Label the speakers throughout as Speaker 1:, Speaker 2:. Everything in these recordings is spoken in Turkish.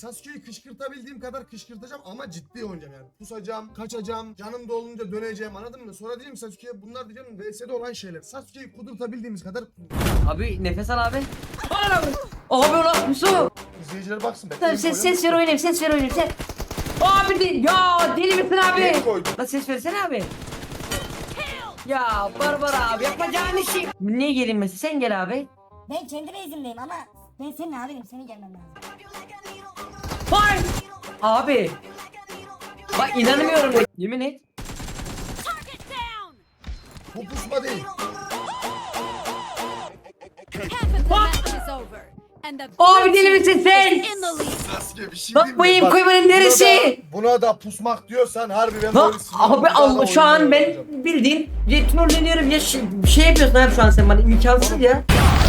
Speaker 1: Sasuke'yi kışkırtabildiğim kadar kışkırtacağım ama ciddi oynayacağım yani. Pusacağım, kaçacağım, canım dolunca döneceğim, anladın mı? Sonra diyeceğim Sasuke'ye bunlar diyeceğim VS'de olan şeyler. Sasuke'yi kudurtabildiğimiz kadar
Speaker 2: Abi nefes al abi. Abi ulan Musu.
Speaker 1: izleyiciler baksın.
Speaker 2: Tamam ses ver oynayayım sen. Abi ya deli misin abi?
Speaker 1: Yeni koydum.
Speaker 2: Lan ses versene abi. Ya Barbara abi yapacağın işi. Niye gelin mesela sen gel abi.
Speaker 3: Ben kendi base'imdeyim ama ben senin abinim, senin gelmen lazım.
Speaker 2: Vay. Abi. Bak inanmıyorum ya. Yemin et.
Speaker 1: Bu pusma değil.
Speaker 2: Abi deli misin sen?
Speaker 1: Sasuke bir şey
Speaker 2: Bak bu eğim koymanın neresi?
Speaker 1: Buna da pusmak diyorsan harbi ben
Speaker 2: Ha,
Speaker 1: böyle sinirlendim.
Speaker 2: abi
Speaker 1: Bir daha da
Speaker 2: Allah şu an
Speaker 1: oyunu
Speaker 2: ben
Speaker 1: oynayacağım.
Speaker 2: bildiğin trolleniyorum ya bir şey yapıyorsun abi şu an sen bana imkansız ya.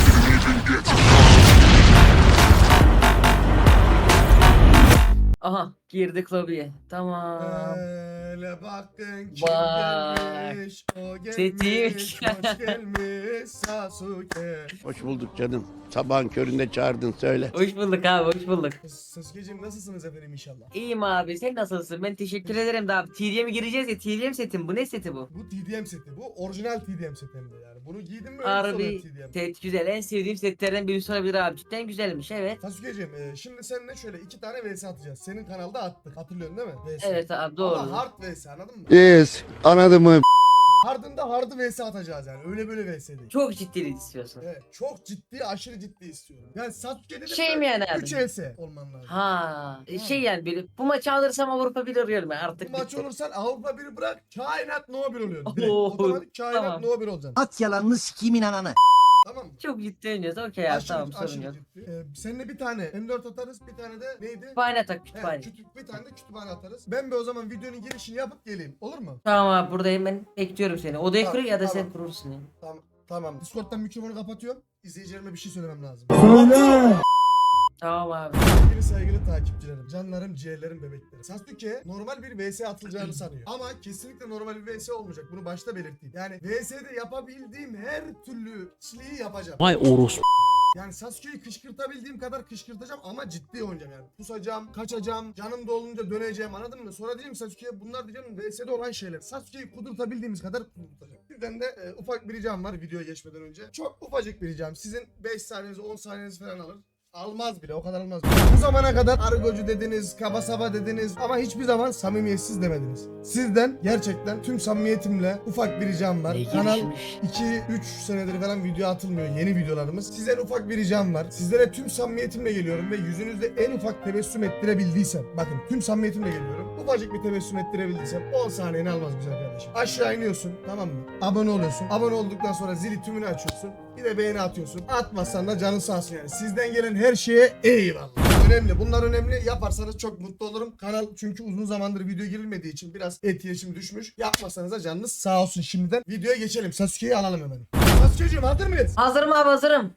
Speaker 2: Aha girdik lobiye. Tamam.
Speaker 1: Hele bakın kim
Speaker 2: Bak.
Speaker 1: gelmiş, o gelmiş,
Speaker 2: Setiymiş.
Speaker 1: hoş gelmiş Sasuke.
Speaker 4: Hoş bulduk canım. Sabahın köründe çağırdın söyle.
Speaker 2: Hoş bulduk abi hoş bulduk.
Speaker 1: Sasuke'cim nasılsınız efendim inşallah?
Speaker 2: İyiyim abi sen nasılsın? Ben teşekkür ederim de abi. TDM'e gireceğiz ya TDM setim bu ne seti bu?
Speaker 1: Bu TDM seti, bu orijinal TDM seti hem de yani. Bunu giydim mi öyle
Speaker 2: Harbi
Speaker 1: sonra TDM.
Speaker 2: set güzel en sevdiğim setlerden birisi olabilir abi cidden güzelmiş evet.
Speaker 1: Sasuke'cim şimdi seninle şöyle 2 tane vs atacağız. Senin kanalda attık, hatırlıyorsun değil mi? VS.
Speaker 2: Evet abi doğru.
Speaker 1: Ama hard vs, anladın mı?
Speaker 4: Yes, anladın mı?
Speaker 1: Hard'ında hard'ı vs atacağız yani. Öyle böyle vs değil.
Speaker 2: Çok ciddi istiyorsun.
Speaker 1: Evet, çok ciddi, aşırı ciddi istiyorum. Yani Sasuke dedim
Speaker 2: Şey mi yani abi?
Speaker 1: 3 vs olman lazım.
Speaker 2: Ha şey yani böyle bu maçı alırsam Avrupa bir arıyorum ben
Speaker 1: Bu
Speaker 2: artık.
Speaker 1: maç olursan Avrupa 1'i bırak, kainat no 1 oluyor. Direkt.
Speaker 2: Oo,
Speaker 1: Otomatik kainat
Speaker 2: tamam.
Speaker 1: no 1 olacaksın.
Speaker 4: At yalanını sikiyim inananı.
Speaker 1: Tamam mı?
Speaker 2: Çok ciddi oynuyoruz okey abi tamam sorun yok.
Speaker 1: ciddi. Seninle bir tane M4 atarız, bir tane de neydi?
Speaker 2: Kütüphane tak
Speaker 1: He,
Speaker 2: kütüphane.
Speaker 1: bir tane de kütüphane atarız. Ben bir o zaman videonun girişini yapıp geleyim. Olur mu?
Speaker 2: Tamam abi buradayım ben bekliyorum seni. Odayı
Speaker 1: Tamam,
Speaker 2: kur ya da sen
Speaker 1: tamam.
Speaker 2: kurursun ya.
Speaker 1: Tamam. Tamam. Discord'dan mikrofonu kapatıyorum. İzleyicilerime bir şey söylemem lazım.
Speaker 2: Tamam abi.
Speaker 1: Sevgili saygılı takipçilerim, canlarım, ciğerlerim, bebeklerim. Sasuke normal bir vs atılacağını sanıyor. Ama kesinlikle normal bir vs olmayacak. Bunu başta belirteyim. Yani vs'de yapabildiğim her türlü çileyi yapacağım.
Speaker 5: Vay orospu.
Speaker 1: Yani Sasuke'yi kışkırtabildiğim kadar kışkırtacağım ama ciddi oynayacağım yani. Pusacağım, kaçacağım, canım dolunca döneceğim, anladın mı? Sonra diyeceğim Sasuke'ye bunlar diyeceğim VS'de olan şeyler. Sasuke'yi kudurtabildiğimiz kadar kudurtacağım. Sizden de ufak bir ricam var videoya geçmeden önce. Çok ufacık bir ricam. Sizin 5 saniyenizi 10 saniyenizi falan alır. Almaz bile, o kadar almaz bile. Bu zamana kadar argocu dediniz, kaba saba dediniz ama hiçbir zaman samimiyetsiz demediniz. Sizden gerçekten tüm samimiyetimle ufak bir ricam var.
Speaker 2: Ne
Speaker 1: Kanal
Speaker 2: gelişmiş.
Speaker 1: 2-3 senedir falan video atılmıyor, yeni videolarımız. Sizden ufak bir ricam var. Sizlere tüm samimiyetimle geliyorum ve yüzünüzde en ufak tebessüm ettirebildiysem, bakın tüm samimiyetimle geliyorum. Ufacık bir tebessüm ettirebildiysem 10 saniyeni almaz güzel kardeşim. Aşağı iniyorsun, tamam mı? Abone oluyorsun. Abone olduktan sonra zili tümünü açıyorsun. Bir de beğeni atıyorsun. Atmazsan da canın sağ olsun yani. Sizden gelen her şeye eyvallah. Önemli. Bunlar önemli. Yaparsanız çok mutlu olurum. Kanal çünkü uzun zamandır video girilmediği için biraz etkileşim düşmüş. Yapmasanız da canınız sağ olsun şimdiden. Videoya geçelim. Sasuke'yi alalım hemen. Sasuke'ciğim hazır mıyız?
Speaker 2: Hazırım abi hazırım.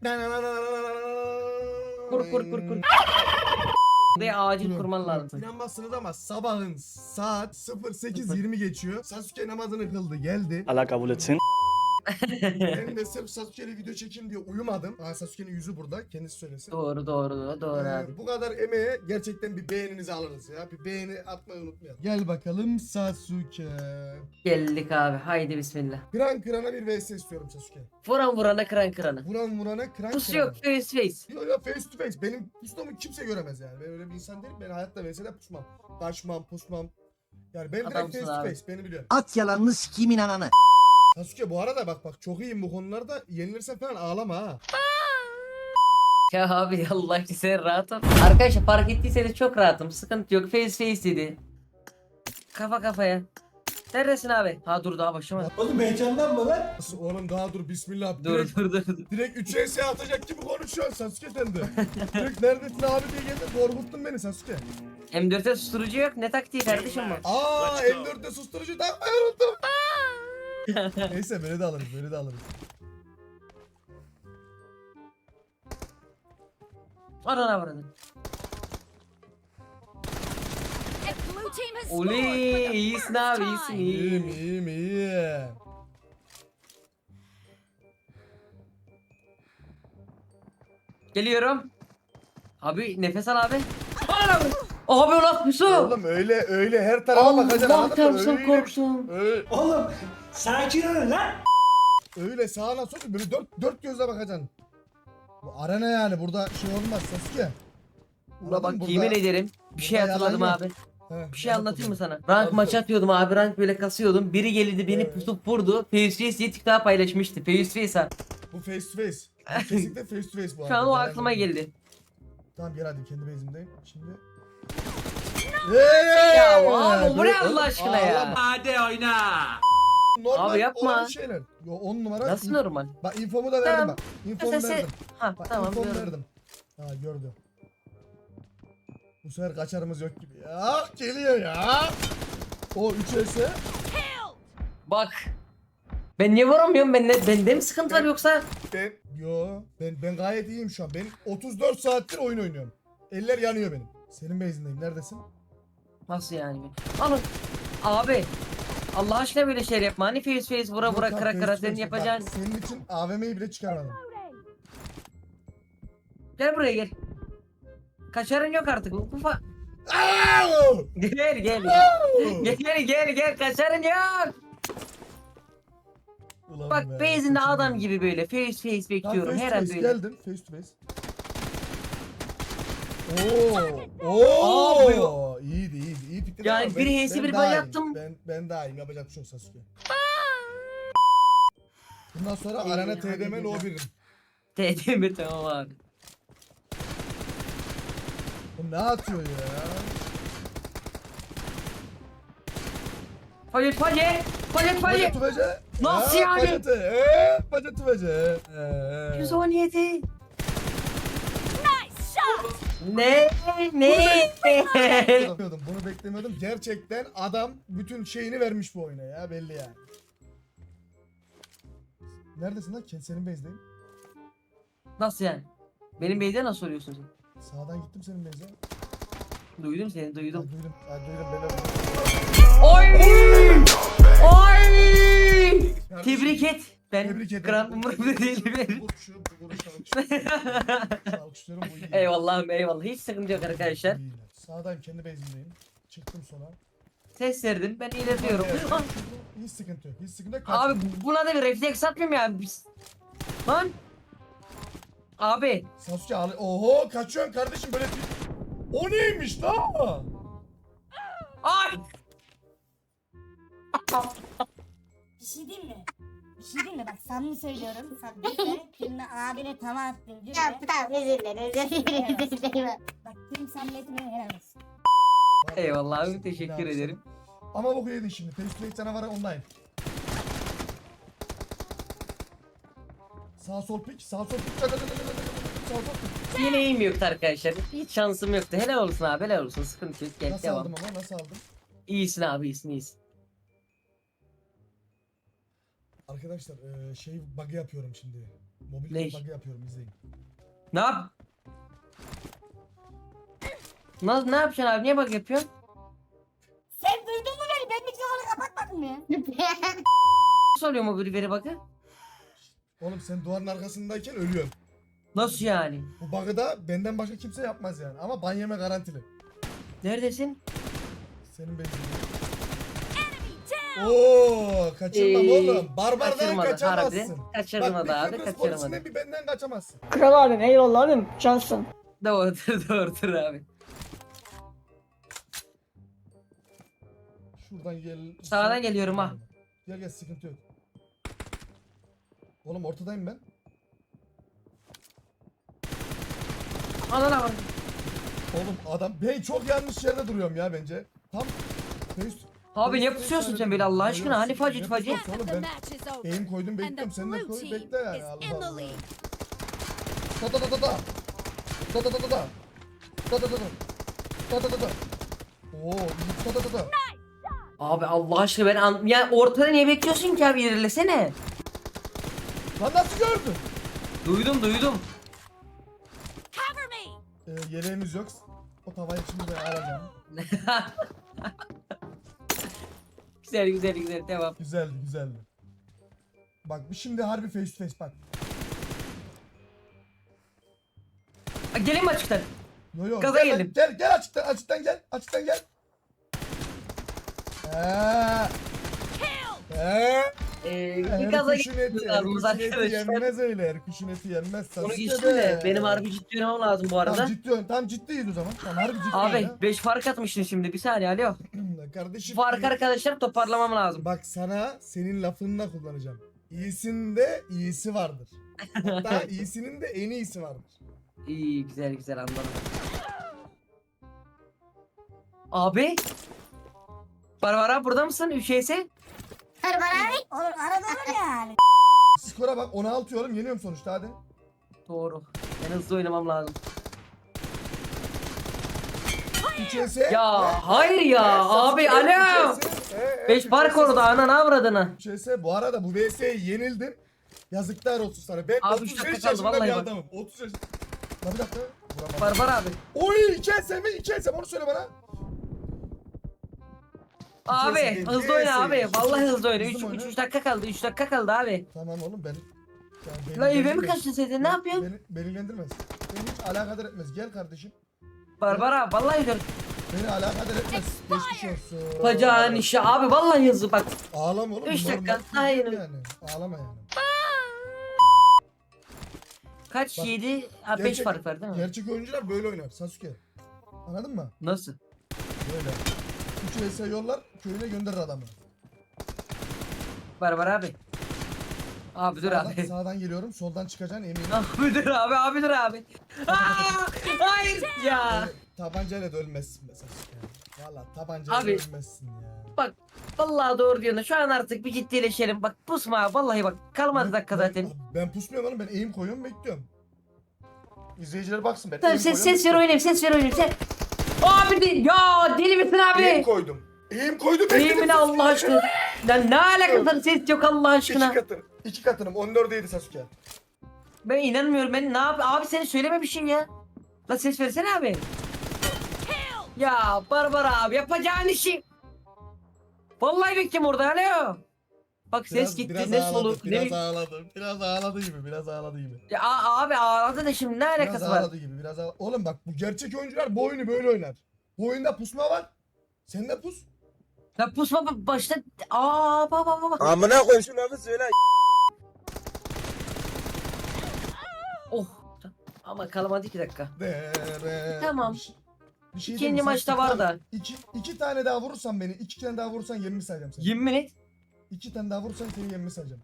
Speaker 2: Kur. Buraya acil kurman lazım.
Speaker 1: İnanmazsınız ama sabahın saat 08:20 geçiyor. Sasuke namazını kıldı geldi.
Speaker 5: Allah kabul etsin.
Speaker 1: Ben de sırf Sasuke'yle video çekeyim diye uyumadım. Sasuke'nin yüzü burada. Kendisi söylesin.
Speaker 2: Doğru abi.
Speaker 1: Bu kadar emeğe gerçekten bir beğeninizi alırız ya. Bir beğeni atmayı unutmayalım. Gel bakalım Sasuke.
Speaker 2: Geldik abi haydi bismillah.
Speaker 1: Kıran kırana bir vs istiyorum Sasuke.
Speaker 2: Vuran vurana kıran kıranı.
Speaker 1: Vuran vurana kıran
Speaker 2: Pus
Speaker 1: kırana.
Speaker 2: yok face to face.
Speaker 1: Yok face to face. Benim pustuğumu kimse göremez yani. Ben öyle bir insan değilim. Ben hayatta vs'de pusmam. Kaçmam, pusmam. Yani ben direkt
Speaker 2: Adamsın
Speaker 1: face to
Speaker 2: abi.
Speaker 1: face. Beni biliyorum.
Speaker 4: At yalanını sikiyim inananı.
Speaker 1: Sasuke bu arada bak çok iyiyim bu konularda. Yenilirsen falan ağlama ha.
Speaker 2: Ya abi Allah için sen rahat ol. Arkadaşlar fark ettiyseniz çok rahatım. Sıkıntı yok. Face face dedi. Kafa kafaya. Neredesin abi? Ha dur daha başlamadı.
Speaker 1: Nasıl oğlum daha dur bismillah.
Speaker 2: Dur.
Speaker 1: Direkt 3 vs atacak gibi konuşuyorsun Sasuke sen de. Direkt neredesin abi diye geldin korkuttun beni Sasuke.
Speaker 2: M4'e susturucu yok. Ne taktiği kardeşim bu?
Speaker 1: M4'te susturucu takmayı unuttum. Neyse böyle de alırız.
Speaker 2: Arana vurun. Oley iyisin abi iyisin
Speaker 1: İyiyim
Speaker 2: iyi.
Speaker 1: iyiyim.
Speaker 2: Geliyorum. Abi nefes al abi. Abi ulan Yusuf.
Speaker 1: Oğlum öyle her tarafa bakacaksın
Speaker 2: Allah
Speaker 1: anladın mı?
Speaker 2: çarpsın korktum.
Speaker 5: Oğlum sakin olun lan.
Speaker 1: Öyle sağına sola böyle dört gözle bakacaksın. Bu arena yani burada şey olmaz Sasuke.
Speaker 2: Ula
Speaker 1: Anladın mı?
Speaker 2: bak yemin ederim bir şey
Speaker 1: burada
Speaker 2: hatırladım
Speaker 1: yalan
Speaker 2: abi.
Speaker 1: yok. He,
Speaker 2: Bir şey anlatayım mı sana?
Speaker 1: Hadi
Speaker 2: Rank maçı
Speaker 1: sor.
Speaker 2: atıyordum abi, rank böyle kasıyordum. Biri geldi beni
Speaker 1: Evet.
Speaker 2: pusup vurdu. Face diye TikTok'a paylaşmıştı. Face ha.
Speaker 1: Bu face to face. Bu kesinlikle face to face bu
Speaker 2: Şu an o
Speaker 1: arada.
Speaker 2: aklıma geldi.
Speaker 1: Tamam gel hadi kendi base'imdeyim. Şimdi.
Speaker 2: Ya abi bu ne Allah aşkına ya?
Speaker 5: Hadi oyna.
Speaker 1: Normal
Speaker 2: Abi yapma.
Speaker 1: olan şeyler. Yo 10 numara.
Speaker 2: Nasıl normal?
Speaker 1: Bak infomu da verdim
Speaker 2: Tamam.
Speaker 1: bak. İnfomu
Speaker 2: Mesela
Speaker 1: verdim.
Speaker 2: Ha
Speaker 1: Bak
Speaker 2: tamam
Speaker 1: infomu
Speaker 2: gördüm.
Speaker 1: verdim. Ha gördü. Bu sefer kaçarımız yok gibi ya. Geliyor ya. O 3
Speaker 2: Bak. Ben niye vuramıyorum? Bende mi sıkıntı var yoksa?
Speaker 1: ben gayet iyiyim şu an. Ben 34 saattir oyun oynuyorum. Eller yanıyor benim. Senin base'indeyim. Neredesin?
Speaker 2: Nasıl yani? Alın. Abi. Allah aşkına böyle şeyler yapma. Hani face vura vura
Speaker 1: Yok
Speaker 2: kıra
Speaker 1: abi,
Speaker 2: kıra
Speaker 1: face to
Speaker 2: senin
Speaker 1: face.
Speaker 2: yapacağın.
Speaker 1: Bak, senin için AVM'yi bile çıkarmadım.
Speaker 2: Gel buraya gel. Kaçarın yok artık. Ufa.
Speaker 1: Aaaa!
Speaker 2: Gel gel. Gel kaçarın yok.
Speaker 1: Ulan
Speaker 2: Bak
Speaker 1: be,
Speaker 2: base'inde
Speaker 1: kaçırdım.
Speaker 2: adam gibi böyle face bekliyorum.
Speaker 1: Tamam,
Speaker 2: Her
Speaker 1: face
Speaker 2: an
Speaker 1: to face,
Speaker 2: böyle.
Speaker 1: geldim face to face. Oo. İyiydi. İyi fikir.
Speaker 2: Yani
Speaker 1: ama
Speaker 2: biri
Speaker 1: ben-
Speaker 2: hesi
Speaker 1: ben
Speaker 2: bir
Speaker 1: daha
Speaker 2: bay
Speaker 1: iyiyim.
Speaker 2: yaptım.
Speaker 1: Ben daha iyiyim. Yapacak bir şey yok Sasuke. Bundan sonra
Speaker 2: İyi,
Speaker 1: arena
Speaker 2: hadi
Speaker 1: TDM
Speaker 2: güzel.
Speaker 1: no 1'im.
Speaker 2: TDM tamam abi.
Speaker 1: Bu ne atıyor ya?
Speaker 2: Hayır Faye.
Speaker 1: Paca tüvece.
Speaker 2: Nasıl
Speaker 1: Ha,
Speaker 2: yani?
Speaker 1: Paca tüvece.
Speaker 2: 117. Ne?
Speaker 1: Bunu beklemiyordum. Gerçekten adam bütün şeyini vermiş bu oyuna ya belli yani. Neredesin lan? Senin base'deyim.
Speaker 2: Nasıl yani? Benim beyde nasıl soruyorsun sen?
Speaker 1: Sağdan gittim senin base'e.
Speaker 2: Duydum seni
Speaker 1: Ha,
Speaker 2: duydum.
Speaker 1: duydum. Ha, duydum beni.
Speaker 2: Oy! Oy! Tebrik et. Ben
Speaker 1: Tebrik ederim.
Speaker 2: gram umurumda değil benim.
Speaker 1: Alkışlıyorum bu iyi.
Speaker 2: Eyvallah. Hiç sıkıntı yok arkadaşlar.
Speaker 1: İyiler. Sağdayım kendi base'imdeyim. Çıktım sola.
Speaker 2: Ses verdim. Ben ilerliyorum. Ah,
Speaker 1: Hiç sıkıntı yok. Hiç sıkıntı yok.
Speaker 2: abi buna da bir refleks atmıyorum ya. Lan. Abi.
Speaker 1: Sasuke al. Oho kaçıyorsun kardeşim böyle bir... O neymiş lan?
Speaker 2: Ay.
Speaker 3: Bir şey diyeyim mi? Bir şey diyeyim mi? Bak samimi söylüyorum. Sen birine abine tava attın. Diyor
Speaker 6: Tamam tamam özür dilerim.
Speaker 3: Bak tüm samimiyetime helal olsun.
Speaker 2: Eyvallah abi,
Speaker 1: İşte,
Speaker 2: teşekkür
Speaker 1: ne yapsın?
Speaker 2: ederim.
Speaker 1: Ama boku yedin şimdi. Face to face canavarı online. Sağ sol pik. Sağ sol pik. Sağ sol pik.
Speaker 2: Yine iyiyim yoktu arkadaşlar. Hiç şansım yoktu. Helal olsun abi, helal olsun. Sıkıntı yok. Gel
Speaker 1: Nasıl
Speaker 2: devam.
Speaker 1: aldım ama nasıl aldım?
Speaker 2: İyisin abi, iyisin.
Speaker 1: Arkadaşlar şey bug'ı yapıyorum şimdi. Mobil
Speaker 2: Ne?
Speaker 1: bug'ı yapıyorum izleyin.
Speaker 2: Ne yap? Ne yapacaksın abi? Niye bak yapıyorsun?
Speaker 3: Sen duydun mu beni? Ben mikrofonu kapatmadım ya.
Speaker 2: Nasıl oluyor mu bir veri bakı?
Speaker 1: Oğlum sen duvarın arkasındayken ölüyorsun.
Speaker 2: Nasıl yani?
Speaker 1: Bu bug'ı da benden başka kimse yapmaz yani. Ama ban yeme garantili.
Speaker 2: Neredesin?
Speaker 1: Senin bezin. Oo, kaçırmam oğlum. Barbardan
Speaker 2: Kaçırmadı,
Speaker 1: kaçamazsın.
Speaker 2: harbiden. Kaçırmadı
Speaker 1: Bak,
Speaker 2: abi,
Speaker 1: bir Kıbrıs
Speaker 2: kaçırmadı.
Speaker 1: polisinden bir benden kaçamazsın.
Speaker 6: Kral abim eyvallah abim cansın.
Speaker 2: Doğrudur abi.
Speaker 1: Şuradan gel.
Speaker 2: Sağdan geliyorum ha.
Speaker 1: Gel sıkıntı yok. Oğlum ortadayım ben.
Speaker 2: Anana bak.
Speaker 1: Oğlum adam ben çok yanlış yerde duruyorum ya bence. Tam face-
Speaker 2: Abi
Speaker 1: face
Speaker 2: ne
Speaker 1: to
Speaker 2: pusuyorsun
Speaker 1: face
Speaker 2: sen böyle Allah
Speaker 1: yerde
Speaker 2: aşkına? Hani
Speaker 1: duruyorum.
Speaker 2: facit
Speaker 1: Ne
Speaker 2: facit?
Speaker 1: pusuyorsun oğlum ben eğim koydum bekliyorum. Sen de koy bekle yani. Allah Allah. Da da da da da. Da da da da da. Da da da da. Da da da da. Oo, da da da da.
Speaker 2: Abi Allah aşkına ya ortada niye bekliyorsun ki abi, ilerlesene.
Speaker 1: Lan nasıl gördün?
Speaker 2: Duydum.
Speaker 1: Yeleğimiz yok. O tavayı şimdi ben alacağım.
Speaker 2: Güzel devam.
Speaker 1: Güzeldi. Bak bir şimdi harbi face to face bak.
Speaker 2: Gelin mi açıktan?
Speaker 1: Yo yo.
Speaker 2: Gaza
Speaker 1: Gel lan,
Speaker 2: geldim.
Speaker 1: Gel açıktan gel. Açıktan gel.
Speaker 2: Bir gaza
Speaker 1: Kuşun eti,
Speaker 2: gidiyorlarımız
Speaker 1: kuşun eti
Speaker 2: arkadaşlar.
Speaker 1: yenmez öyle. Kuşun eti yenmez.
Speaker 2: Onu
Speaker 1: Sasuke
Speaker 2: geçtim
Speaker 1: be.
Speaker 2: de benim harbi ciddi oynamam lazım bu arada.
Speaker 1: Tam ciddiyiz o zaman. Tamam harbi ciddiyiz
Speaker 2: Abi
Speaker 1: ya.
Speaker 2: 5 fark atmıştın şimdi bir saniye alo.
Speaker 1: Kardeşim.
Speaker 2: Fark arkadaşlar toparlamam lazım.
Speaker 1: Bak sana senin lafını kullanacağım. İyisinde iyisi vardır. Hatta iyisinin de en iyisi vardır.
Speaker 2: İyi güzel güzel anladım. Abi. Barbara burada mısın? Üşeyse.
Speaker 3: Barbara abi. Oğlum arada olur yani.
Speaker 1: Skora bak 16 yorum yeniyorum sonuçta hadi.
Speaker 2: Doğru. Ben hızlı oynamam lazım.
Speaker 1: 3
Speaker 2: Ya hayır ya abi alo. 5 fark orada ananı avradını.
Speaker 1: 3 bu arada bu VS'ye yenildim. Yazıklar olsun sana. Ben
Speaker 2: Abi
Speaker 1: 35
Speaker 2: dakika kaldı,
Speaker 1: yaşında bir
Speaker 2: vallahi bak.
Speaker 1: adamım. 30 yaşında. Lan bir dakika. Vuramadım.
Speaker 2: Barbara abi.
Speaker 1: Oy 2 mi? 2 onu söyle bana.
Speaker 2: Abi
Speaker 1: değil,
Speaker 2: hızlı
Speaker 1: neyse.
Speaker 2: oyna abi. Vallahi hızlı oyna.
Speaker 1: Hızlı mı
Speaker 2: 3
Speaker 1: oyna?
Speaker 2: dakika kaldı. 3 dakika kaldı abi.
Speaker 1: Tamam oğlum ben.
Speaker 2: Lan eve mi kaçtın sen? Ne yapıyorsun?
Speaker 1: Beni ilgilendirmez. Beni hiç alakadar etmez. Gel kardeşim.
Speaker 2: Barbara vallahi dur.
Speaker 1: Beni alakadar etmez. Geçmiş olsun.
Speaker 2: Bacağın işi abi vallahi hızlı bak.
Speaker 1: Ağlama oğlum.
Speaker 2: 3
Speaker 1: normal
Speaker 2: dakika,
Speaker 1: bir
Speaker 2: daha
Speaker 1: şey
Speaker 2: yeni.
Speaker 1: yani. Ağlama yani.
Speaker 2: Kaç
Speaker 1: Bak,
Speaker 2: 7? Ha 5
Speaker 1: gerçek-
Speaker 2: fark var değil mi?
Speaker 1: Gerçek oyuncular böyle oynar Sasuke. Anladın mı?
Speaker 2: Nasıl?
Speaker 1: Böyle. 3 vs yollar köyüne gönderir adamı.
Speaker 2: Barbara abi. Abi dur
Speaker 1: Sağdan,
Speaker 2: abi.
Speaker 1: sağdan geliyorum soldan çıkacaksın eminim.
Speaker 2: Abi dur abi dur abi. Aa, hayır ya.
Speaker 1: Tabancayla da ölmezsin be Sasuke. Valla tabancayla
Speaker 2: Abi.
Speaker 1: ölmezsin ya.
Speaker 2: Bak vallahi doğru diyorsun. Şu an artık bir ciddileşelim. Bak pusma abi, vallahi bak. Kalmadı dakika zaten.
Speaker 1: Ben pusmuyorum oğlum ben eğim koyuyorum bekliyorum. İzleyiciler baksın ben
Speaker 2: Tamam
Speaker 1: eğim koyuyorum,
Speaker 2: ses ver
Speaker 1: bekliyorum.
Speaker 2: oynayayım ses ver oynayayım sen. Abi ya deli misin
Speaker 1: Eğim
Speaker 2: abi?
Speaker 1: koydum. Eğim koydum bekledim.
Speaker 2: Eğimine Allah aşkına. Lan ne alakası ses yok Allah aşkına.
Speaker 1: 2 katın. 2 katınım 14'eydi Sasuke.
Speaker 2: Ben inanmıyorum ben ne yap abi seni söyleme bir şey ya. La ses versene abi. Ya Barbara abi yapacağın işi. Vallahi bekliyorum orada alo. Bak ses gitti ne soluk ne.
Speaker 1: Biraz ağladı. Biraz ağladı gibi. Biraz ağladı gibi.
Speaker 2: Ya abi ağladı da şimdi ne
Speaker 1: Biraz
Speaker 2: alakası var?
Speaker 1: ağladı gibi. Biraz ağladı. Oğlum bak bu gerçek oyuncular bu oyunu böyle oynar. Bu oyunda pusma var. Sen de pus.
Speaker 2: Ya pusma başta. Aa baba.
Speaker 7: Amına koy şu lafı söyle.
Speaker 2: Oh. Ama kalmadı 2 dakika. Tamam.
Speaker 1: Bir şey
Speaker 2: İkinci
Speaker 1: diyeyim mi? Sen
Speaker 2: maçta var da.
Speaker 1: iki tane daha vurursan beni, 2 tane daha vurursan 20 sayacağım seni.
Speaker 2: Yemin et.
Speaker 1: 2 tane daha vurursan seni 20 sayacağım.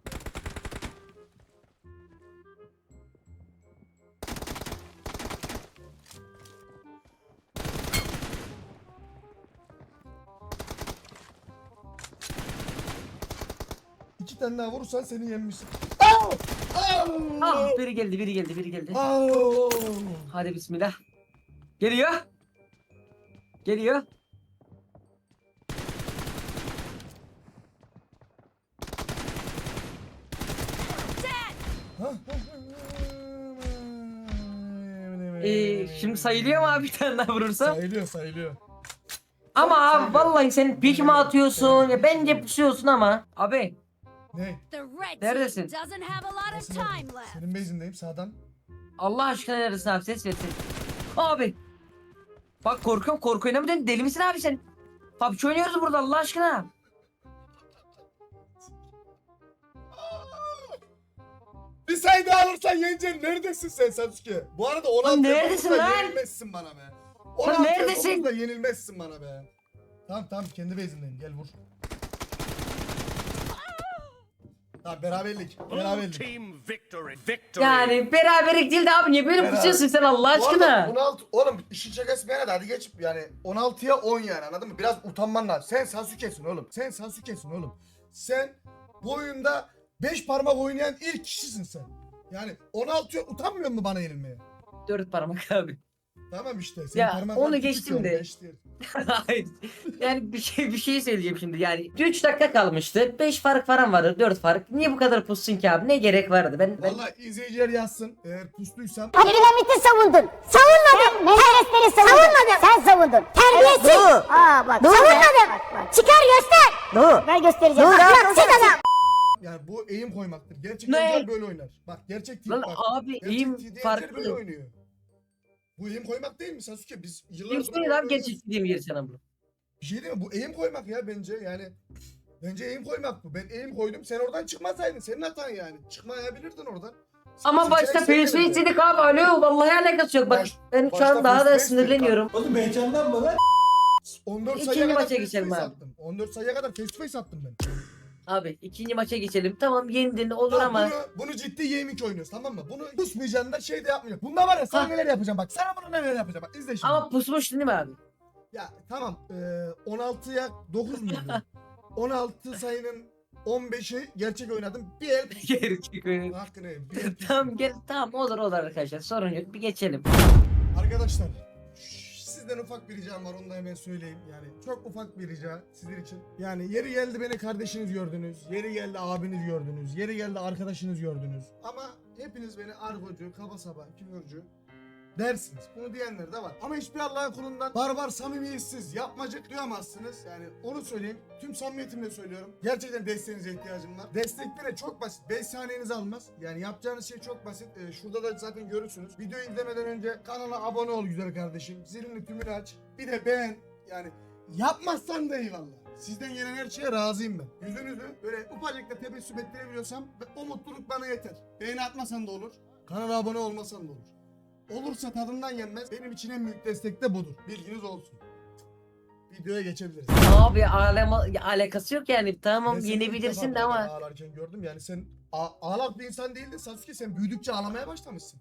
Speaker 1: İki tane daha vurursan seni yenmişsin. Au! Au!
Speaker 2: Ah biri geldi.
Speaker 1: Au!
Speaker 2: Hadi bismillah. Geliyor. Geliyor. Şimdi sayılıyor mu abi bir tane daha vurursam?
Speaker 1: Sayılıyor.
Speaker 2: Ama abi
Speaker 1: sayılıyor.
Speaker 2: vallahi sen pik mi atıyorsun ya bence pusuyorsun ama. Abi
Speaker 1: Ne?
Speaker 8: The red
Speaker 2: Neredesin?
Speaker 8: team doesn't have a lot of
Speaker 1: Nasıl
Speaker 8: time
Speaker 1: neredeyim?
Speaker 8: left.
Speaker 1: Senin base'indeyim sağdan.
Speaker 2: Allah aşkına neredesin abi ses versin. Abi. Bak korkuyorum korku oynamıyorsun deli misin abi sen? PUBG oynuyoruz burada Allah aşkına.
Speaker 1: Bir sayı daha alırsan yeneceksin. Neredesin sen Sasuke? Bu arada 16
Speaker 2: neredesin lan?
Speaker 1: yenilmezsin bana be. 16
Speaker 2: neredesin?
Speaker 1: da yenilmezsin bana be. Tamam kendi base'indeyim gel vur. Tamam beraberlik.
Speaker 2: Yani beraberlik değil de abi niye böyle
Speaker 1: Beraber.
Speaker 2: pusuyorsun sen Allah
Speaker 1: Bu arada
Speaker 2: aşkına?
Speaker 1: 16 oğlum işin şakası bir yana da hadi geç yani 16'ya 10 yani anladın mı? Biraz utanman lazım. Sen Sasuke'sin oğlum. Sen bu oyunda 5 parmak oynayan ilk kişisin sen. Yani 16'ya utanmıyor musun bana yenilmeye?
Speaker 2: 4 parmak abi.
Speaker 1: Tamam işte. Senin
Speaker 2: Ya,
Speaker 1: parmaklar
Speaker 2: onu
Speaker 1: küçük
Speaker 2: geçtim
Speaker 1: yani,
Speaker 2: de.
Speaker 1: beş değil.
Speaker 2: Hayır. Yani bir şey söyleyeceğim şimdi. Yani 3 dakika kalmıştı. 5 fark falan vardı. 4 fark. Niye bu kadar pussun ki abi? Ne gerek vardı? Ben
Speaker 1: Vallahi izleyiciler yazsın. Eğer pustuysam
Speaker 6: Abdülhamit'i savundun. Savunmadın. Menderesleri savunmadın. Sen savundun. Terbiyesiz. Aa bak. Savunmadın. Çıkar göster. Ben göstereceğim. Bak sen adam.
Speaker 1: yani bu eğim koymaktır. Gerçek
Speaker 2: Ne?
Speaker 1: oyuncular böyle oynar. Bak gerçek değil
Speaker 2: lan
Speaker 1: bak.
Speaker 2: abi
Speaker 1: Gerçek
Speaker 2: iyiyim
Speaker 1: TDM'ciler böyle
Speaker 2: farklı.
Speaker 1: oynuyor. Bu eğim koymak değil mi Sasuke? Biz yıllardır...
Speaker 2: Kim söyledi abi gerçekten yeri sana bunu?
Speaker 1: Bir şey değil mi? Bu eğim koymak ya bence yani. Bence eğim koymak bu. Ben eğim koydum. Sen oradan çıkmasaydın. Senin hatan yani. Çıkmayabilirdin oradan. Sen
Speaker 2: Ama başta
Speaker 1: seçenek
Speaker 2: PSV
Speaker 1: istemedin.
Speaker 2: istedik abi. Alo vallahi alakası yok. Bak ben şu
Speaker 1: başta
Speaker 2: an daha da
Speaker 1: PSV istedik
Speaker 2: sinirleniyorum.
Speaker 5: Oğlum heyecandan mı lan?
Speaker 1: 14
Speaker 2: İkinci
Speaker 1: sayıya kadar
Speaker 2: maça
Speaker 1: face
Speaker 2: geçelim
Speaker 1: to face
Speaker 2: abi.
Speaker 1: attım. 14 sayıya kadar face to face attım ben.
Speaker 2: Abi ikinci maça geçelim. Tamam yendin olur
Speaker 1: Tamam,
Speaker 2: ama.
Speaker 1: bunu ciddi gaming oynuyoruz tamam mı? Bunu pusmayacaksın da şey de yapmayacak. Bunda var ya sana
Speaker 2: Ha.
Speaker 1: neler yapacağım bak. Sana bunu neler yapacağım bak. İzle şimdi.
Speaker 2: Ama pusmuştun değil mi abi?
Speaker 1: Ya tamam 16'ya 9 muydu? 16 sayının 15'i gerçek oynadım. Bir el
Speaker 2: Gerçek oyun.
Speaker 1: hakkını yiyeyim, bir el
Speaker 2: Tamam gel tamam olur arkadaşlar sorun yok bir geçelim.
Speaker 1: Arkadaşlar sizden ufak bir ricam var onu da hemen söyleyeyim yani çok ufak bir rica sizin için. Yani yeri geldi beni kardeşiniz gördünüz, yeri geldi abiniz gördünüz, yeri geldi arkadaşınız gördünüz. Ama hepiniz beni argocu, kaba saba, küfürcü dersiniz. Bunu diyenler de var. Ama hiçbir Allah'ın kulundan barbar, samimiyetsiz, yapmacık duyamazsınız. Yani onu söyleyeyim. Tüm samimiyetimle söylüyorum. Gerçekten desteğinize ihtiyacım var. Destek bile çok basit. 5 saniyenizi almaz. Yani yapacağınız şey çok basit. Şurada da zaten görürsünüz. Videoyu izlemeden önce kanala abone ol güzel kardeşim. Zilini tümünü aç. Bir de beğen. Yani yapmazsan da eyvallah. Sizden gelen her şeye razıyım ben. Yüzünüzü böyle ufacık da tebessüm ettirebiliyorsam o mutluluk bana yeter. Beğeni atmasan da olur. Kanala abone olmasan da olur. Olursa tadından yenmez. Benim için en büyük destek de budur. Bilginiz olsun. Videoya geçebiliriz.
Speaker 2: Abi alakası yok yani tamam
Speaker 1: Ben seni ilk
Speaker 2: yenebilirsin de
Speaker 1: defa
Speaker 2: ama.
Speaker 1: ağlarken gördüm yani sen ağlak bir insan değildin Sasuke, sen büyüdükçe ağlamaya başlamışsın.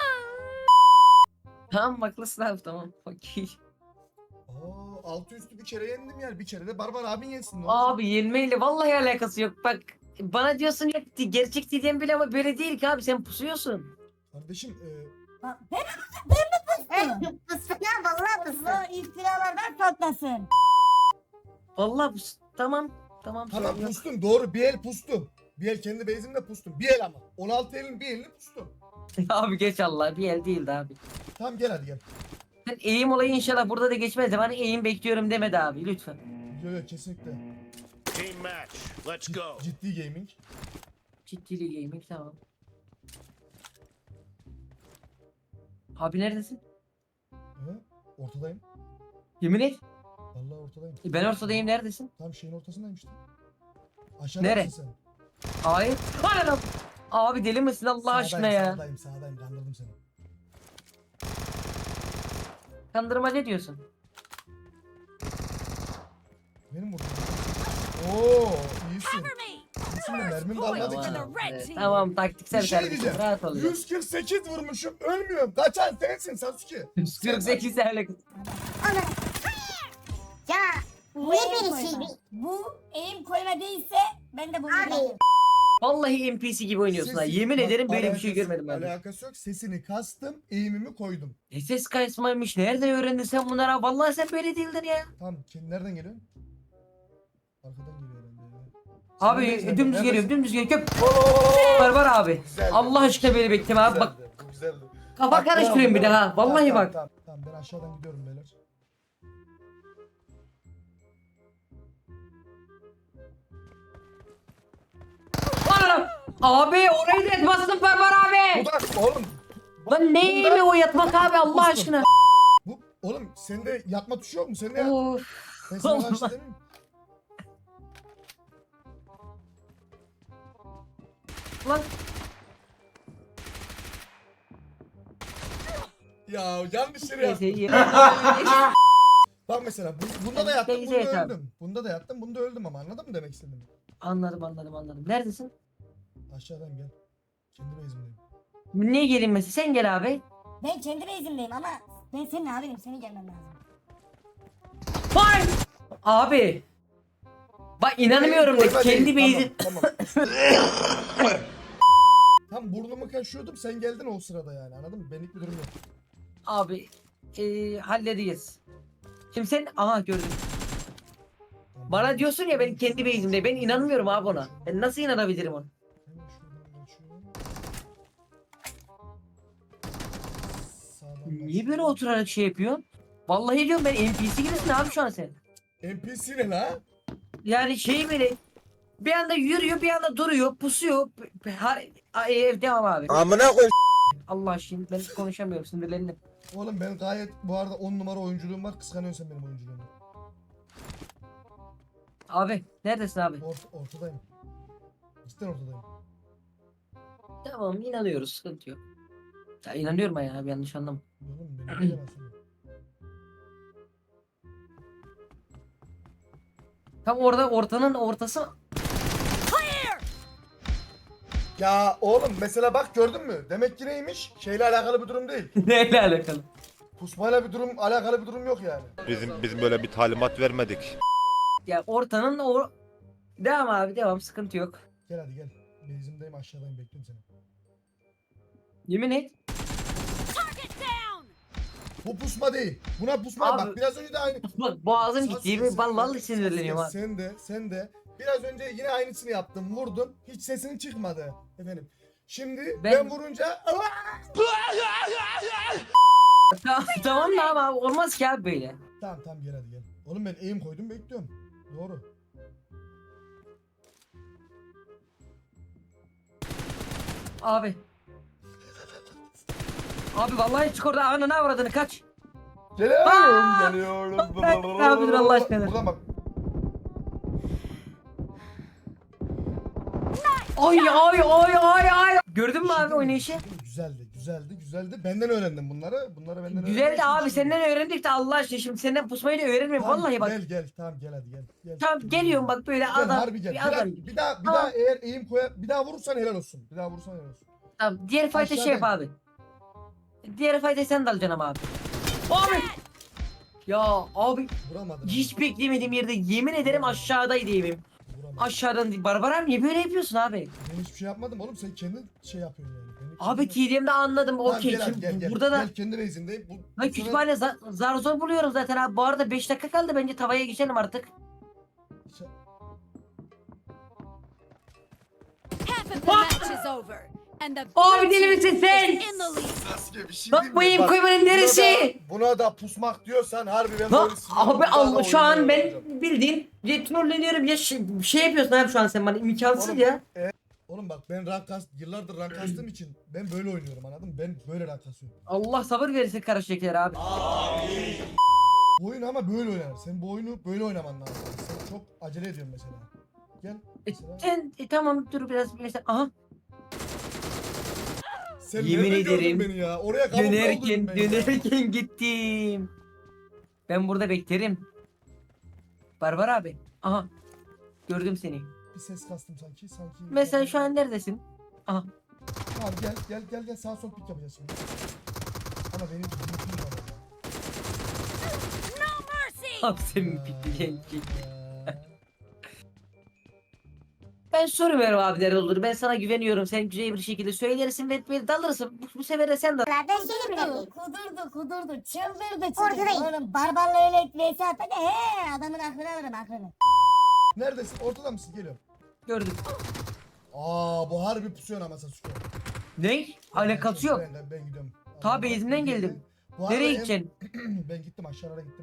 Speaker 2: Tamam haklısın abi tamam. Okey.
Speaker 1: Altı üstü bir kere yendim yani, bir kere de Barbar abin yensin. Ne olacak?
Speaker 2: Abi yenmeyle vallahi alakası yok bak. Bana diyorsun yok gerçek diyeceğim bile ama böyle değil ki abi sen pusuyorsun.
Speaker 1: Kardeşim
Speaker 3: Ben mi pustum?
Speaker 6: Fıstık ya vallahi fıstık.
Speaker 3: Allah iftiralardan saklasın.
Speaker 2: Vallahi tamam
Speaker 1: tamam
Speaker 2: sorun yok.
Speaker 1: pustum doğru, bir el pustum. Bir el kendi base'imde pustum. Bir el ama. 16 elin bir elini pustum.
Speaker 2: Abi geç Allah bir el değildi abi.
Speaker 1: Tamam gel hadi gel.
Speaker 2: Sen eğim olayı inşallah burada da geçmez de bana eğim bekliyorum demedi abi lütfen.
Speaker 1: Yok kesinlikle.
Speaker 4: Team match. Let's go.
Speaker 1: Ciddi gaming.
Speaker 2: Ciddili gaming tamam. Abi neredesin?
Speaker 1: Ortadayım.
Speaker 2: Yemin et.
Speaker 1: Vallahi ortadayım.
Speaker 2: Ben ortadayım neredesin?
Speaker 1: Tam şeyin ortasındayım işte. Aşağıda
Speaker 2: Nere?
Speaker 1: mısın sen?
Speaker 2: Hayır. Anam. Abi deli misin Allah aşkına ya?
Speaker 1: Sağdayım kandırdım seni.
Speaker 2: Kandırmaca diyorsun.
Speaker 1: Benim vurdum. Oo iyisin. İyisin de mermim kalmadı ki.
Speaker 2: Tamam, tamam taktiksel
Speaker 1: Bir şey
Speaker 2: kardeşim
Speaker 1: diyeceğim.
Speaker 2: rahat ol. ya.
Speaker 1: 148 vurmuşum ölmüyorum. Kaçan sensin Sasuke.
Speaker 2: 148 alakası.
Speaker 6: Ya
Speaker 3: Bu
Speaker 6: ne
Speaker 3: eğim
Speaker 6: bir
Speaker 3: koyma.
Speaker 6: şey
Speaker 3: Bu eğim koyma değilse ben de bunu
Speaker 6: Abi.
Speaker 3: yaparım.
Speaker 2: Vallahi NPC gibi oynuyorsun ha. Yemin
Speaker 1: Bak,
Speaker 2: ederim böyle bir şey
Speaker 1: alakası-
Speaker 2: görmedim ben. de.
Speaker 1: Alakası yok. Sesini kastım, eğimimi koydum.
Speaker 2: SS kaysmaymış. Nereden öğrendin sen bunları? Vallahi sen böyle değildin ya.
Speaker 1: Tamam, nereden geliyorsun? Arkadan geliyor herhalde.
Speaker 2: Abi
Speaker 1: Sen neredesin?
Speaker 2: dümdüz geliyorum,
Speaker 1: Neredesin?
Speaker 2: dümdüz geliyorum. Var abi.
Speaker 1: Güzeldi.
Speaker 2: Allah aşkına beni bekleme abi bak.
Speaker 1: Güzeldi, bu güzeldi.
Speaker 2: Kafa
Speaker 1: Bak,
Speaker 2: karıştırıyorum bir
Speaker 1: tamam,
Speaker 2: daha. Vallahi
Speaker 1: tamam,
Speaker 2: bak.
Speaker 1: Tamam, ben aşağıdan gidiyorum beyler.
Speaker 2: Anam. Abi orayı da etmezsin Barbar abi.
Speaker 1: Bu da oğlum.
Speaker 2: Lan ne mi o yatmak abi Allah aşkına.
Speaker 1: Bu oğlum sende yatma tuşu yok mu? Sende ya.
Speaker 2: Of.
Speaker 1: Ben sana
Speaker 2: Allah.
Speaker 1: karşı demeyeyim.
Speaker 2: Lan
Speaker 1: Ya yanlış yere
Speaker 2: neyse
Speaker 1: yattım.
Speaker 2: iyi.
Speaker 1: Bak mesela bunda da yattım,
Speaker 2: Neyse,
Speaker 1: bunda
Speaker 2: tamam.
Speaker 1: öldüm. Bunda da yattım, bunda öldüm ama anladın mı demek istediğimi?
Speaker 2: Anladım. Neredesin?
Speaker 1: Aşağıdan gel. Kendi base'imdeyim.
Speaker 2: Niye gelin mesela? Sen gel abi.
Speaker 3: Ben kendi base'imdeyim ama ben senin abinim, seni gelmem lazım.
Speaker 2: Vay! Abi. Bak inanmıyorum da
Speaker 1: Koyma
Speaker 2: kendi
Speaker 1: değil,
Speaker 2: base'i.
Speaker 1: Tamam. Tam burnumu kaşıyordum, sen geldin o sırada yani anladın mı? Benlik bir durum yok.
Speaker 2: Abi halledeceğiz. Şimdi sen aha gördüm.
Speaker 1: Tamam.
Speaker 2: Bana diyorsun ya benim kendi base'imde. Ben inanmıyorum abi ona. Ben nasıl inanabilirim ona?
Speaker 1: Hemen şuradan geçiyorum. Sağdan
Speaker 2: Niye
Speaker 1: başlıyorum.
Speaker 2: böyle oturarak şey yapıyorsun? Vallahi diyorum ben NPC gibisin abi şu an sen.
Speaker 1: NPC ne la?
Speaker 2: Yani şey böyle bir anda yürüyor bir anda duruyor pusuyor. Devam abi.
Speaker 4: Amına koy.
Speaker 2: Allah aşkına ben konuşamıyorum sinirlendim.
Speaker 1: Oğlum ben gayet bu arada 10 numara oyunculuğum var. Kıskanıyorsun sen benim oyunculuğumu.
Speaker 2: Abi neredesin abi?
Speaker 1: Ortadayım. Cidden ortadayım.
Speaker 2: Tamam inanıyoruz sıkıntı yok. Ya inanıyorum ya abi yanlış anlama.
Speaker 1: Oğlum beni bilemezsin.
Speaker 2: Tam orada ortanın ortası.
Speaker 1: Ya oğlum mesela bak gördün mü? Demek ki neymiş? Şeyle alakalı bir durum değil.
Speaker 2: Neyle alakalı?
Speaker 1: Pusmayla bir durum, alakalı bir durum yok yani.
Speaker 7: Biz böyle bir talimat vermedik.
Speaker 2: Ya ortanın o... Devam abi devam sıkıntı yok.
Speaker 1: Gel hadi gel. Base'imdeyim aşağıdayım bekliyorum seni.
Speaker 2: Yemin et.
Speaker 1: Bu pusma değil. Buna pusma
Speaker 2: Abi-
Speaker 1: bak biraz önce de aynı.
Speaker 2: Bak boğazım
Speaker 1: Sasuke,
Speaker 2: gitti.
Speaker 1: sen
Speaker 2: Vallahi
Speaker 1: de-
Speaker 2: sinirleniyorum
Speaker 1: Sasuke,
Speaker 2: abi.
Speaker 1: Sen de biraz önce yine aynısını yaptın. Vurdun. Hiç sesin çıkmadı efendim. Şimdi ben vurunca
Speaker 2: Tamam da abi olmaz ki abi böyle.
Speaker 1: Tamam gel hadi gel. Oğlum ben aim koydum bekliyorum. Doğru.
Speaker 2: Abi. Abi vallahi çık orada ananı avradını kaç.
Speaker 1: Geliyorum.
Speaker 2: Ne yapıyorsun Allah aşkına?
Speaker 1: Buradan bak.
Speaker 2: Ay. Gördün mü abi oynayışı?
Speaker 1: Güzeldi. Benden öğrendim bunları. Bunları benden öğrendim.
Speaker 2: Güzeldi abi senden öğrendik de Allah aşkına şimdi senden pusmayı da öğrenmiyorum vallahi bak.
Speaker 1: Gel tamam gel hadi gel.
Speaker 2: Tamam geliyorum bak böyle
Speaker 1: Gel,
Speaker 2: adam
Speaker 1: harbi gel.
Speaker 2: bir adam.
Speaker 1: Bir daha
Speaker 2: Tamam.
Speaker 1: eğer aim bir daha vurursan helal olsun.
Speaker 2: Tamam diğer fight'e şey yap abi. Diğer fight'e sen de alacaksın ama abi. Abi. Ya abi
Speaker 1: Vuramadım.
Speaker 2: hiç beklemediğim yerde yemin ederim aşağıdaydı evim.
Speaker 1: Vuramadım.
Speaker 2: Aşağıdan Barbaram niye böyle yapıyorsun abi?
Speaker 1: Ben hiçbir şey yapmadım oğlum. Sen kendin şey yapıyorsun yani. Benim
Speaker 2: Abi
Speaker 1: kendime-
Speaker 2: TDM'de anladım
Speaker 1: Tamam,
Speaker 2: okey.
Speaker 1: gel hadi,
Speaker 2: Şimdi
Speaker 1: gel.
Speaker 2: burada da
Speaker 1: Gel kendi base'indeyim. Bu
Speaker 2: ben
Speaker 1: sefer-
Speaker 2: kütüphane zar zor buluyorum zaten abi. Bu arada 5 dakika kaldı bence tavaya geçelim artık.
Speaker 8: Half of the match is over. And the
Speaker 2: Abi
Speaker 8: blue
Speaker 2: deli
Speaker 8: team
Speaker 2: misin sen?
Speaker 8: is in the lead.
Speaker 1: Sasuke bir şey
Speaker 2: Bak
Speaker 1: diyeyim
Speaker 2: bu
Speaker 1: mi?
Speaker 2: eğim
Speaker 1: Bak,
Speaker 2: koymanın neresi?
Speaker 1: Buna da pusmak diyorsan harbi ben
Speaker 2: Bak
Speaker 1: böyle sinirlendim.
Speaker 2: abi
Speaker 1: Bir daha da
Speaker 2: Allah şu an
Speaker 1: oynamaya
Speaker 2: ben
Speaker 1: başlayacağım.
Speaker 2: bildiğin ya trolleniyorum ya şey yapıyorsun abi şu an sen bana imkansız
Speaker 1: Oğlum,
Speaker 2: ya.
Speaker 1: Oğlum bak ben yıllardır rank kastığım için ben böyle oynuyorum anladın mı? Ben böyle rank kasıyorum.
Speaker 2: Allah sabır verirse karışacaklar abi.
Speaker 1: Bu oyun ama böyle oynar. Sen bu oyunu böyle oynaman lazım. Sen çok acele ediyorsun mesela. Gel. Mesela.
Speaker 2: Sen tamam dur biraz mesela aha
Speaker 1: Sen
Speaker 2: yemin
Speaker 1: nerede gördün
Speaker 2: ederim,
Speaker 1: beni ya? Oraya kamufle oldum ben ya.
Speaker 2: dönerken gittim. Ben burada beklerim. Barbar abi. Aha. Gördüm seni.
Speaker 1: Bir ses kastım sanki.
Speaker 2: Mesela şu an neredesin? Aha.
Speaker 1: Tamam gel sağ sol pik yapacağız şimdi. Ama benim linkim var orada.
Speaker 2: Abi senin bitti gençlik.
Speaker 1: Ya.
Speaker 2: Ben soruyorum abi der olur. Ben sana güveniyorum. Sen güzel bir şekilde söylersin ve dalırsın. Bu sefer de sen dal.
Speaker 6: Ben seni bile değil.
Speaker 3: Kudurdu çıldırdı
Speaker 6: Ortadayım.
Speaker 3: Oğlum barbarla öyle vs atmadı adamın aklını alırım aklını.
Speaker 1: Neredesin? Ortada mısın? Geliyorum.
Speaker 2: Gördüm.
Speaker 1: Bu harbi pusuyor ama Sasuke.
Speaker 2: Ne? Alakası yok.
Speaker 1: Ben gidiyorum.
Speaker 2: Ta base'inden geldim.
Speaker 1: Bu arada
Speaker 2: Nereye
Speaker 1: en-
Speaker 2: gideceksin?
Speaker 1: Ben gittim aşağılara gittim.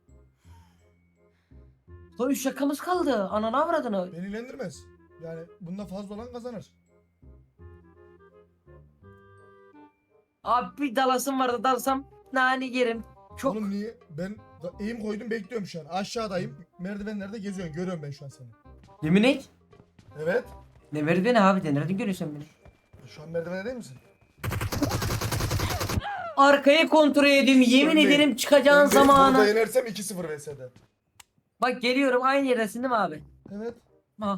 Speaker 2: Son 3 dakikamız kaldı. Ananı avradını.
Speaker 1: Beni ilgilendirmez. Yani bunda fazla olan kazanır.
Speaker 2: Abi bir dalasım vardı dalsam nane yerim. Çok.
Speaker 1: Oğlum niye? Ben eğim koydum bekliyorum şu an. Aşağıdayım. Merdivenlerde geziyorsun. Görüyorum ben şu an seni.
Speaker 2: Yemin et.
Speaker 1: Evet.
Speaker 2: Ne verdi beni abi de nereden görüyorsun beni?
Speaker 1: Şu an merdivende değil misin?
Speaker 2: Arkayı kontrol ediyorum. Yemin
Speaker 1: Öndeyim.
Speaker 2: ederim çıkacağın
Speaker 1: Ben Burada
Speaker 2: zamanı.
Speaker 1: yenersem 2-0 vs'de.
Speaker 2: Bak geliyorum aynı yerdesin değil mi abi?
Speaker 1: Evet.
Speaker 2: Ha.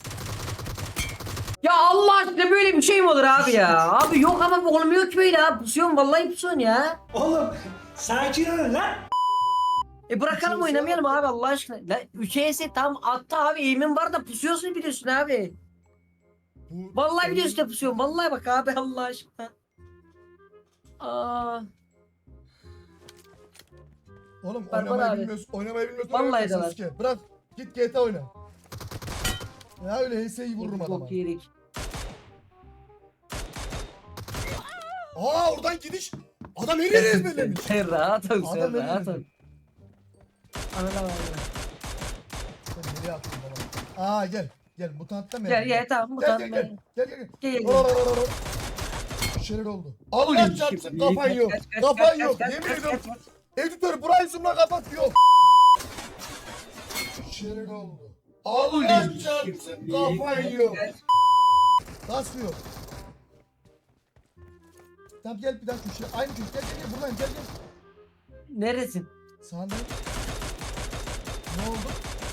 Speaker 2: Ya Allah aşkına böyle bir şey mi olur abi ya? Abi yok ama bu olmuyor ki böyle abi. Pusuyorsun vallahi pusuyorsun ya.
Speaker 5: Oğlum sakin olun lan.
Speaker 2: Bırakalım
Speaker 1: Üçe
Speaker 2: oynamayalım abi Allah aşkına. La 3'e tam attı abi eğimin var da pusuyorsun biliyorsun abi.
Speaker 1: Bu
Speaker 2: Vallahi biliyorsun da pusuyorsun. Vallahi bak abi Allah aşkına. Aa.
Speaker 1: Oğlum
Speaker 2: Barbar
Speaker 1: oynamayı
Speaker 2: abi.
Speaker 1: bilmiyorsun. Oynamayı bilmiyorsun.
Speaker 2: Vallahi
Speaker 1: oynama
Speaker 2: de var.
Speaker 1: Sasuke. Bırak. Git GTA oyna. Ya öyle HS'yi vururum adama.
Speaker 2: Çok yedik.
Speaker 1: Oradan gidiş. Adam her yeri ezberlemiş.
Speaker 2: Sen rahat ol
Speaker 1: Adam
Speaker 2: sen
Speaker 1: öyle
Speaker 2: rahat ol.
Speaker 1: dedi.
Speaker 2: Anladın mı?
Speaker 1: Sen nereye attın baba? Gel. Gel mutanttan
Speaker 2: Gel gel tamam bu
Speaker 1: Gel
Speaker 2: tamam.
Speaker 1: gel gel. Gel gel.
Speaker 2: Gel, gel,
Speaker 1: Ro, ro, ro, ro. şeyler oldu. Allah çarpsın kafan yok. Kafan yok. Yemin ediyorum. Editör burayı zoomla kapat yok. Şeyler oldu. Allah çarpsın kafan yok. Nasıl yok? Tamam gel bir daha köşeye. Aynı köşe. Gel buradan gel.
Speaker 2: Neresin?
Speaker 1: Sağında. Ne oldu?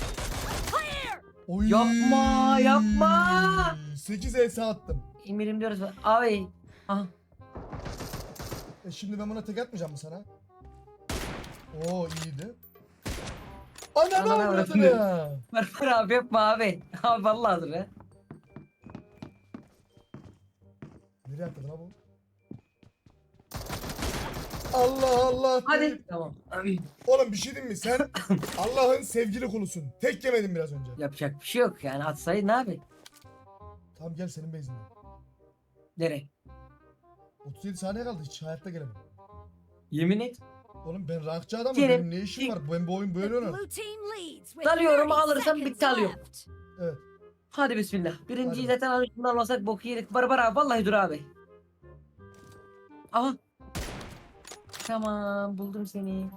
Speaker 1: Oy.
Speaker 2: Yapma.
Speaker 1: 8 ES attım.
Speaker 2: İmirim diyoruz. Abi. Aha.
Speaker 1: Şimdi ben buna tek atmayacağım mı sana? Oo iyiydi. Ananı
Speaker 2: Ananı
Speaker 1: avradını
Speaker 2: avradını.
Speaker 1: ya.
Speaker 2: Var abi yapma abi. Abi vallahi dur ya.
Speaker 1: Nereye atladın ha bu? Allah Allah.
Speaker 2: Hadi. Tamam.
Speaker 1: Oğlum bir şey diyeyim mi? Sen Allah'ın sevgili kulusun. Tek yemedin biraz önce.
Speaker 2: Yapacak bir şey yok yani atsaydın abi.
Speaker 1: Tamam gel senin base'ine.
Speaker 2: Nereye?
Speaker 1: 37 saniye kaldı hiç hayatta gelemem.
Speaker 2: Yemin et.
Speaker 1: Oğlum ben rankçı adamım.
Speaker 2: Gelin.
Speaker 1: Benim ne işim var? Ben bu oyun böyle
Speaker 8: The
Speaker 1: oynarım.
Speaker 8: blue team leads with
Speaker 2: Dalıyorum,
Speaker 8: 30
Speaker 2: alırsam
Speaker 8: seconds
Speaker 2: bitti, alıyorum.
Speaker 8: left.
Speaker 1: Evet.
Speaker 2: Hadi bismillah. Birinciyi
Speaker 1: Hadi.
Speaker 2: zaten alışımdan almasak boku yedik. Barbar abi vallahi dur abi. Aha. Tamam buldum seni.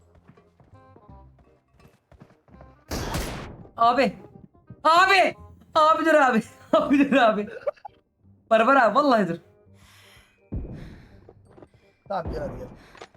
Speaker 2: Abi. Abi. Abi dur abi. Abi dur abi. Barbar abi vallahi dur.
Speaker 1: Tamam gel hadi gel.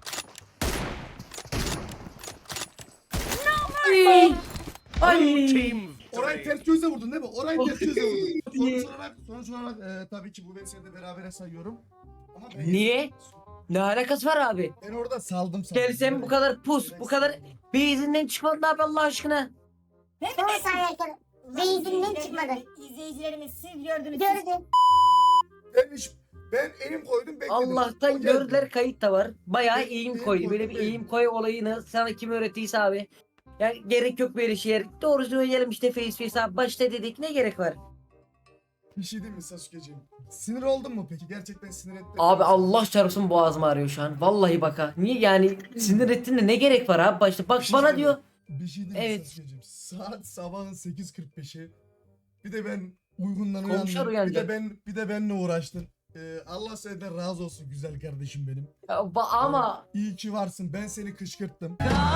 Speaker 2: Ay.
Speaker 4: Blue
Speaker 2: Ay.
Speaker 4: team
Speaker 1: Orayı
Speaker 4: victory.
Speaker 1: ters gözle vurdun değil mi? Orayı ters gözle vurdun. Sonuç olarak tabii ki bu ben de berabere sayıyorum. Ama ben
Speaker 2: Niye? Ne alakası var abi?
Speaker 1: Ben orada saldım sana.
Speaker 2: Gelsem bu kadar pus, bu kadar beyizinden çıkmadı abi Allah aşkına.
Speaker 6: Son saniye Beyzinden çıkmadı.
Speaker 3: İzleyicilerimiz siz gördünüz.
Speaker 6: Gördüm.
Speaker 1: Ben elim koydum bekledim.
Speaker 2: Allah'tan
Speaker 1: O geldi.
Speaker 2: gördüler, kayıt da var. Bayağı
Speaker 1: Eğim
Speaker 2: eğim
Speaker 1: koy,
Speaker 2: koy. Böyle bir
Speaker 1: eğim.
Speaker 2: eğim koy olayını sana kim öğrettiyse abi. Yani gerek yok böyle şeye. Doğru söyleyelim işte face abi. Başta dedik ne gerek var?
Speaker 1: Bir şey değil mi Sasuke'ciğim? Sinir oldun mu peki? Gerçekten sinir ettin mi?
Speaker 2: Abi Allah çarpsın boğazım ağrıyor şu an. Vallahi baka. Niye yani sinir ettin de ne gerek var abi başta? Bak
Speaker 1: Bir şey
Speaker 2: bana
Speaker 1: diyeyim mi?
Speaker 2: diyor.
Speaker 1: Bir şey değil mi
Speaker 2: Evet.
Speaker 1: Sasuke'ciğim? Saat sabahın 8.45'i. Bir de ben uygundan
Speaker 2: Komşular
Speaker 1: uyandım. Bir de
Speaker 2: uyanacak.
Speaker 1: benle uğraştın. Allah senden razı olsun güzel kardeşim benim.
Speaker 2: Ya ama
Speaker 1: İyi ki varsın. Ben seni kışkırttım.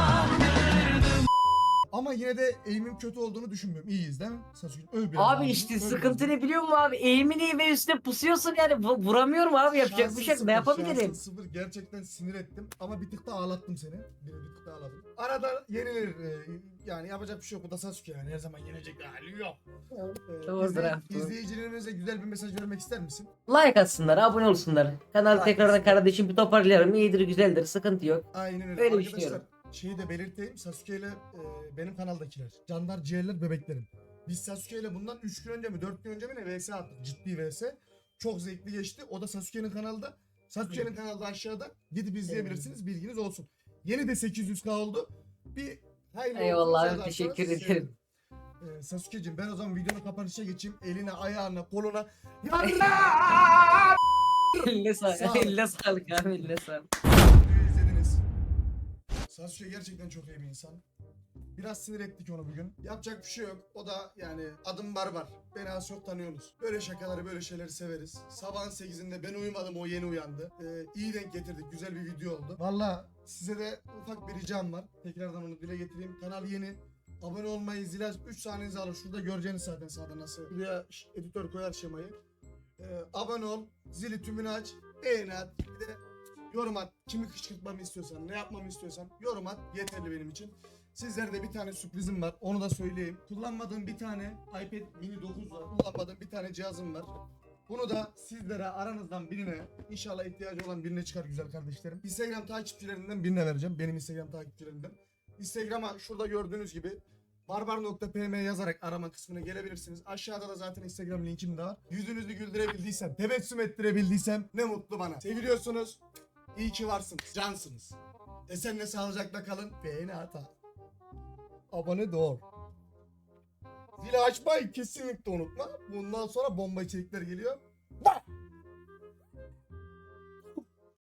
Speaker 1: Ama yine de eğimin kötü olduğunu düşünmüyorum. İyiyiz değil mi? Sasuke öl biraz
Speaker 2: abi
Speaker 1: ağzını,
Speaker 2: işte
Speaker 1: öl
Speaker 2: sıkıntı
Speaker 1: biraz.
Speaker 2: ne biliyor musun abi? Eğimin iyi ve üstüne pusuyorsun yani. Vuramıyorum abi, yapacak
Speaker 1: Şansın
Speaker 2: bir şey yok.
Speaker 1: sıfır,
Speaker 2: Ne yapabilirim?
Speaker 1: şansın sıfır. Gerçekten sinir ettim ama bir tık da ağlattım seni. Bir tık da ağladım. Arada yenilir. Yani yapacak bir şey yok. Bu da Sasuke yani. Her zaman yenecek hali yok.
Speaker 2: Doğrudur abi, doğru.
Speaker 1: İzleyicilerimize güzel bir mesaj vermek ister misin?
Speaker 2: Like atsınlar, abone olsunlar. Kanalı
Speaker 1: Like
Speaker 2: tekrardan
Speaker 1: atsınlar.
Speaker 2: kardeşim bir toparlayalım. İyidir, güzeldir, sıkıntı yok.
Speaker 1: Aynen öyle.
Speaker 2: Öyle
Speaker 1: Arkadaşlar
Speaker 2: düşünüyorum.
Speaker 1: şeyi de belirteyim. Sasuke ile benim kanaldakiler. Canlar, ciğerler, bebeklerim. Biz Sasuke ile bundan 3 gün önce mi 4 gün önce mi ne vs attık. Ciddi vs. Çok zevkli geçti. O da Sasuke'nin kanalda. Sasuke'nin kanalda aşağıda. Gidip izleyebilirsiniz. Bilginiz olsun. Yeni de 800k oldu. Bir hayırlı
Speaker 2: Eyvallah
Speaker 1: olsun,
Speaker 2: abi,
Speaker 1: yazarsanız
Speaker 2: teşekkür ederim.
Speaker 1: sevinirim. Sasuke'cim ben o zaman videonun kapanışa geçeyim. Eline, ayağına, koluna.
Speaker 2: Eline
Speaker 1: Sağ ol.
Speaker 2: sağlık. Eline sağlık abi, eline sağlık.
Speaker 1: Videoyu izlediniz. Sasuke gerçekten çok iyi bir insan. Biraz sinir ettik onu bugün. Yapacak bir şey yok. O da yani adım barbar. Beni az çok tanıyorsunuz. Böyle şakaları, böyle şeyleri severiz. Sabahın 8'inde ben uyumadım, o yeni uyandı. İyi denk getirdik. Güzel bir video oldu. Valla size de ufak bir ricam var. Tekrardan onu dile getireyim. Kanal yeni. Abone olmayı, zile 3 saniyenizi alın. Şurada göreceğiniz zaten sağda nasıl. Buraya editör koyar şemayı. Abone ol. Zili tümünü aç. Beğeni at. Bir de yorum at. Kimi kışkırtmamı istiyorsan, ne yapmamı istiyorsan yorum at. Yeterli benim için. Sizlere de bir tane sürprizim var. Onu da söyleyeyim. Kullanmadığım bir tane iPad mini 9 var. Kullanmadığım bir tane cihazım var. Bunu da sizlere aranızdan birine, inşallah ihtiyacı olan birine çıkar güzel kardeşlerim. Instagram takipçilerinden birine vereceğim. Benim Instagram takipçilerimden. Instagram'a şurada gördüğünüz gibi barbar.pm yazarak arama kısmına gelebilirsiniz. Aşağıda da zaten Instagram linkim de var. Yüzünüzü güldürebildiysem, tebessüm ettirebildiysem ne mutlu bana. Seviliyorsunuz. İyi ki varsınız. Cansınız. Esenle sağlıcakla kalın. Beğeni ata. Abone de ol. Zili açmayı kesinlikle unutma. Bundan sonra bomba içerikler geliyor.